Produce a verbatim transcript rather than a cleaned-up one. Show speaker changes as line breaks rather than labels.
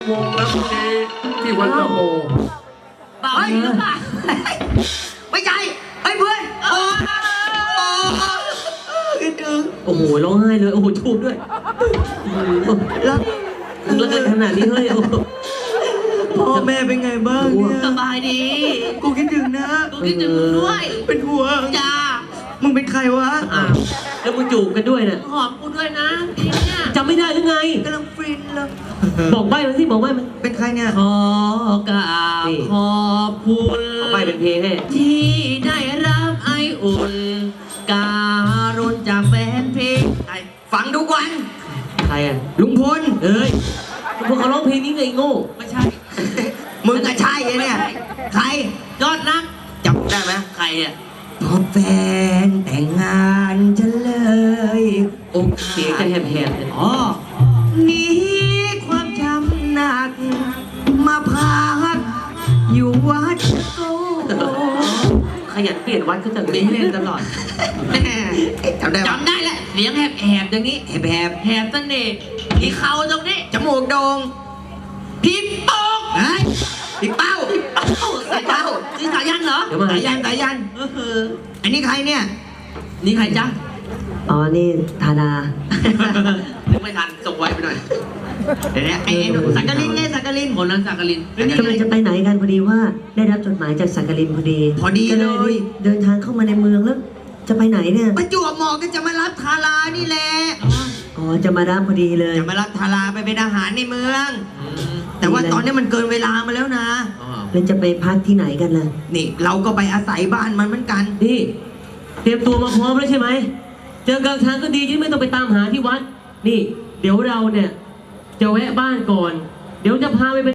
วงแล้วพรุ่งนี้ที่วัดตะโม
เปล่าหรือเปล่าไม่ใช่ไอ้เพื่อนโอ้คิดถึง
โอ้โหร้องไห้เลยโอ้โหชูบด้วย
แล้ว
แล้วเกิดขนาดนี้เฮ้ยโอ้โห
พ่อแม่เป็นไงบ้างเนี่ย
สบายดี
กูคิดถึงนะ
กูคิดถึงมึงด้วย
เป็นห่วง
จ้า
มึงเป็นใครวะ
อ้าวแล้วมึงจูบกันด้วยเนี่ย
หอมกูด้วยนะทีเนี่ย
จำไม่ได้หรือไง
กำลังฟินเลย
บอกใบ้มันสิบอกใบ้มัน
เป็นใครเนี่ย
ขอกราบ
นี่
ขอบคุณ
บอกใบ้เป็นเพลงให้
ที่ได้รับไออุ่น การุณจากแฟนเพลงไอ้
ฟังทุกวัน
ใครอ่ะ
ลุงพล
เอ้ยพวกเขาร้องเพลงนี้ไงไอ้โง่
ไม่ใช่
มึงก็ใช่ไอ้เนี่ย ใคร
ยอดนัก
จำได้ไหม
ใครเนี่ย
พอแฟนแต่งงานฉันเลยอก
เสียงจะแหบๆเลย
อ๋อ
หนีความจำหนัก มาพักอยู่วัดโก
ขยันเปลี่ยนวัดก็จะ
มีให้เล่นตลอด
แม่จำได้ปะ
จำได้แหละเสียงแหบๆอย่างนี้
แหบแหบ
แหบเสน่ห์ที่เขาตรงนี้
จมูกโด่ง
พี่โป๊ก
เฮ้ยพี่เป้า
เอ้าสายเป้านี่สายยันเหรอ
เดี๋ยวมา
สายันสายัน
เออ
อันนี้ใครเนี่ย
นี่ใครจ๊ะ
อ๋อนี่ธาดา
นึกไม่ทันส่งไว้ไปหน่อย
เดี๋ยวนะไอ้ไอ้หนุ่มสักกลินไงสักกลิน
คนนั้นสักกลิน
กำลังจะไปไหนกันพอดีว่าได้รับจดหมายจากสักกลินพอดี
พอดี
ก็
เล
เลย
ย
เดินทางเข้ามาในเมืองแล้ว จะไปไหนเนี่ย
ประจวบเหมาะก็จะมารับทารานี่แหละ
อ๋อจะมารับพอดีเลย
จะมารับทาราไปเป็นอาหารในเมือง แต่ว่าตอนนี้มันเกินเวลามาแล้วนะ
แล้วจะไปพักที่ไหนกันล่ะ
นี่เราก็ไปอาศัยบ้านมันเหมือนกัน
นี่เตรียมตัวมาพร้อมแล้วใช่ไหมเจอกลางทางก็ดีที่ไม่ต้องไปตามหาที่วัด นี่ เดี๋ยวเราเนี่ยจะแวะบ้านก่อน เดี๋ยวจะพาไปเป็น